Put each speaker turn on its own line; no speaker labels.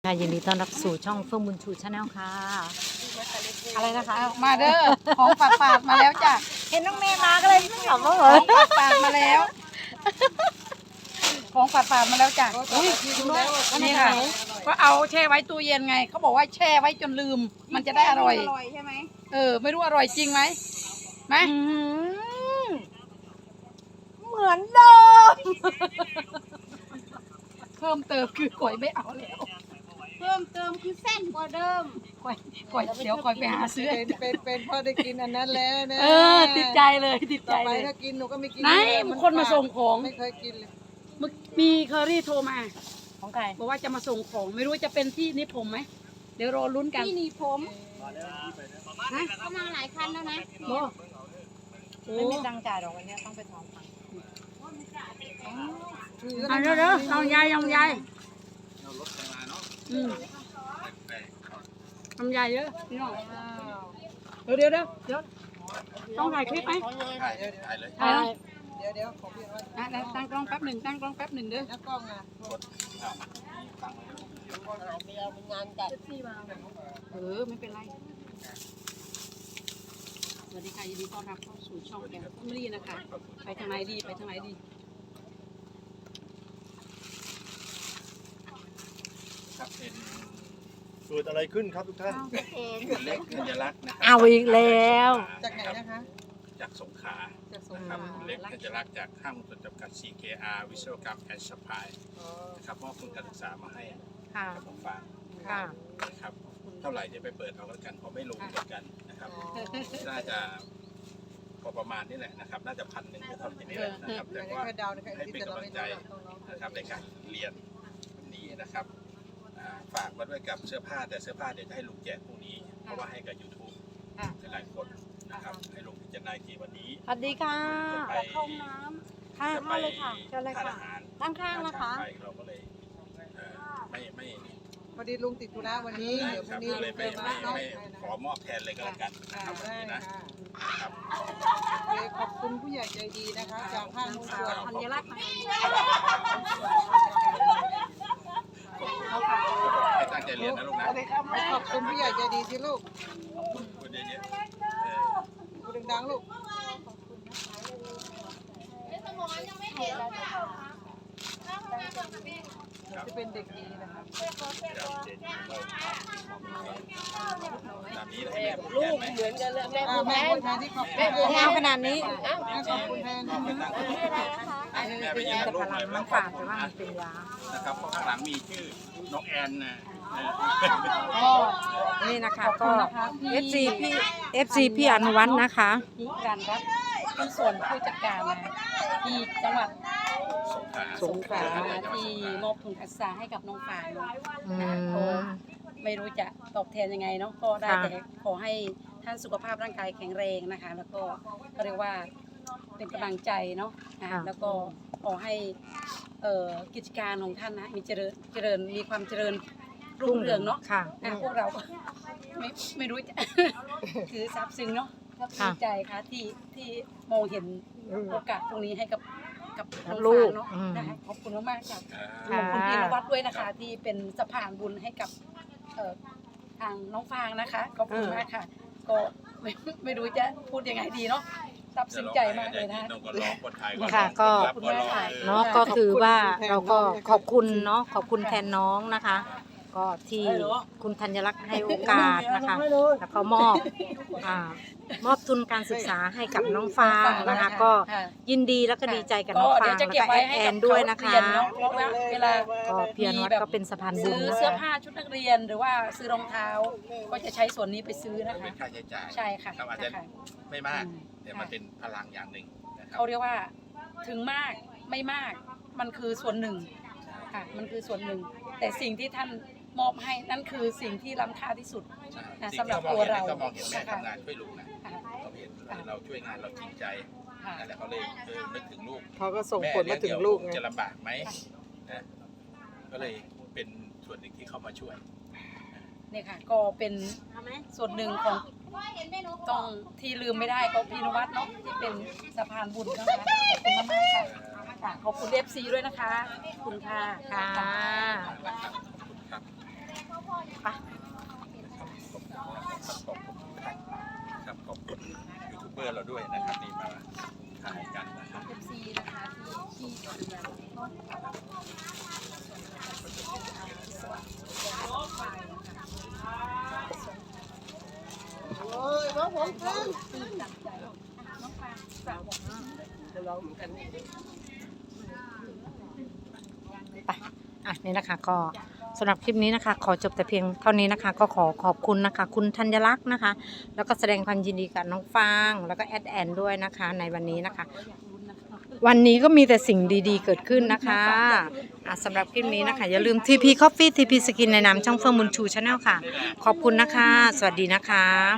ยินดีต้อนรับสู่ช่องเฟื่องบุญชูชาแนลค่ะอะไรนะคะ
มาเด้อของฝากมาแล้วจ้ะ
เห็นน้องเมย์มาก็เลยไม่ขำว่าเหร
ข
อ
องฝากมาแล้วของฝากมาแล้วจ้ะอุ้ยนี่ค่ะก็เอาแช่ไว้ตู้เย็นไงเขาบอกว่าแช่ไว้จนลืม มันจะได้อร่อยใช่ไหมไม่รู้อร่อยจริงไหม
เหมือนเดิม
เพิ่มเติมคือก๋วยไม่เอาแล้ว
เพิ่มเติมคือเส้นกว่าเดิม
ก๋วยเดี๋ยวก๋วยไปหาซื้อ
เป็นพ่อได้กินอันนั้นแล้วนะ
ติดใจเลยติดใจ
ต่อไป
เลย
ถ้ากินหนูก็ไม่กิน
ไหนคนมาส่งของ
ไม่เคยกินเลย
มีเคอรี่โทรมา
ของใคร
บอกว่าจะมาส่งของไม่รู้จะเป็นที่นิผมไหมเดี๋ยวรอลุ้นกัน
ที่หนีผม
ฮะ
เข้ามาหลายคันแล้วนะ
โอ้โห
ไม่มีตังค์จ่ายหรอกวันนี้ต้องไปถอนตังค์
เอาเด้อลองยายทำยายเยอะพี่น้องเดี๋ยวต้องถ่ายคลิปไหมถ่าย
เดี๋ยวของพี่ว่า
ตั้งกล้องแป๊บหนึ่งเด้อ
แล้วกล้องอ่ะ
ไม่เป็นไรสวัสดีค่ะยินดีต้อนรับเข้าสู่ช่องแกงแฟมิลี่นะคะไปทางไหนดี
ครับเป็นเกิดอะไรขึ้นครับทุกท่านเล็กธัญลักษณ์นะครั
เอาอีกแล้ว
จากไหนนะคะ
จากสงขลา
จากสง
นะ
ข
ครับ
ลา
เล็กธัญลักษณ์จากห้างหุ้นส่วนจำกัด CKR วิศวกรรมแอนด์ซัพพลายนะครับมอบทุนการศึกษามาให้
ค่ะ
กับผมฝาก
ค่ะ
นะครับเท่าไหร่เดี๋ยวไปเปิดเอาแล้วกันเพราะไม่รู้เหมือนกันนะครับน่าจะพอประมาณนี้แหละนะครับน่าจะ1,000ก็เท่านี้แหละนะครับ
อั
แต่
นนี้
ว่า
แค่เดานะคะ
ให้เป็นกำลังใจนะครับในการเรียนวันนี้นะครับฝากมาด้วยกับเสื้อผ้าแต่เสื้อผ้าเดี๋ยวจะให้ลุงแจกพรุ่งนี้เพราะว่าให้กับ YouTube หลายคนนะครับให้ลุงพิจารณาทีวันนี้
สวัสดีค่ะ
จะไป
เข้าน้ำค่ะ
จะไป
เข้าเลยค่ะเชิญเลย
ทาน
ค่ะ
อาหาร
ด้านข้างนะคะ
ไปเราก็เลยไม่
พอดีลุงติดธุระวันนี้เดี๋ยวพ
ค
รุ่
รั
ง
บ
นี้
ก็เลยไม่ขอมอบแทนเลยก็แล้วกันนะครับวัน
ได้
นี้นะ
ค่ะ
ครับ
โอเคขอบคุณผู้ใหญ่ใจดีนะคะจากห้างหุ้นส่วน
ธัญลักษณ์
ให้ตั้งใจเรียนนะลูกนะ
ขอบคุณผู้ใหญ่ใจดีที่ลูก
คุณเยอะ
พูดดังๆลูกจะเป็นเด็กดีนะคะ
ตามนี้ให้แม่พูดแทนไหม
เหมือนกันเลยแม่
แม่พูดแทนที่ขอบคุณ
งามขนาดนี้
ขอบคุณแทน
แม่ไปยืนกับลูกหน่อย
น้ำฝาดแต่ว่ามันเป็นยา
นะครับเพราะข้างหลังมีชื่อน้องแอนนะ
นี่นะคะก็ FC พี่อนุวัฒน์นะคะ
นิรันดร์รัตน์เป็นส่วนผู้จัดการนะที่จังหวัด
สงขลา
ที่มอบทุนการศึกษาให้กับน้องฝ่ายเนาะ
อื
ก็
ม
ไม่รู้จะตอบแทนยังไงเนาะก็ได้
ค่ะ
แต่ขอให้ท่านสุขภาพร่างกายแข็งแรงนะคะ แล้วก็ก็เรียกว่าเป็นกำลังใจเนาะแล้วก็ขอให้กิจการของท่านนะมีเจริญมีความเจริญรุ่งเรืองเนาะ
ค่ะ
พวกเราก็ไม่รู้จะ คือซาบซึ้งเนาะดีใจค่ะที่มองเห็นโอกาสตรงนี้ให้กับน้อง
ลู
ฟาก งเนาะ
อืม
นะคะขอบคุณมากๆค่ะ
ค่ะ
ขอบคุณพี่นวัดด้วยนะคะที่เป็นสะพานบุญให้กับทางน้องฟางนะคะขอบคุณมากค่ะ ก็ไม่รู้จะพูดยังไงดีเนาะซาบซึ้งใจมากเลยนะ
ค่ะก็ เนาะก็คือว่าเราก็ขอบคุณเนาะขอบคุณแทนน้องนะคะ ก็ที่คุณธัญลักษณ์ให้โอกาสนะคะแล้วก็มอบทุนการศึกษาให้กับน้องฟางนะคะ ก็ยินดีแล้วก็ดีใจกับน้องฟางแล้วก็แอนด้วยนะคะ
เพราะว่าเวลา
ก็เพียรวัดก็เป็นสะพานบุญ
ซื้อ
นะ
เสื้อ
คะ
ผ้าชุดนักเรียนหรือว่าซื้อรองเท้า ก็จะใช้ส่วนนี้ไปซื้อนะคะ
เป็นค่าใช้จ่าย
ใช่ค่ะ
ครับอาจจะ
นะคะ
ไม่มากแต่มันเป็นพลังอย่างหนึ่งนะครับ
เขาเรียกว่าถึงมากไม่มากมันคือส่วนหนึ่งค่ะมันคือส่วนหนึ่ง แต่สิ่งที่ท่านมอบให้นั่นคือสิ่งที่ล้ำค่าที่สุด
สิ่ง
สำหรับ
ที่
ตัวเรา
ก็มองเห็นแม่ทำงานช่วยลูกนะ
ค่ะ
เขาเห็นเราช่วยงานเราจริงใจ
ค่ะ
นั่นแหละเขาเลยนึกถึงลูก
เขาก็ส่งผลมาถึงลูกไง
จะลำบากไหมนะก็เลยเป็นส่วนหนึ่งที่เขามาช่วย
เนี่ยค่ะก็เป็นส่วนหนึ่งของต้องที่ลืมไม่ได้ก็พี่นวัดเนาะที่เป็นสะพานบุญนะคะขอบคุณมากๆค่ะขอบคุณ FC ด้วยนะคะขอบคุณค่ะ
ค่ะ
ขอบคุณครับเราด้วยนะครับนี่มาถ่ายกันนะครับ
FC นะคะที่ดูแลน้อง
โอ้ยน้องผมขึ้น
ไปนี่นะคะก็สำหรับคลิปนี้นะคะ ขอจบแต่เพียงเท่านี้นะคะ ก็ขอขอบคุณนะคะ คุณธัญลักษณ์นะคะ แล้วก็แสดงความยินดีกับน้องฟางแล้วก็แอดแอนด้วยนะคะ ในวันนี้นะคะ วันนี้ก็มีแต่สิ่งดีๆเกิดขึ้นนะคะสำหรับคลิปนี้นะคะ อย่าลืม TP Coffee TP Skin ในนามช่องเฟื่องบุญชู Channel ค่ะ ขอบคุณนะคะ สวัสดีนะคะ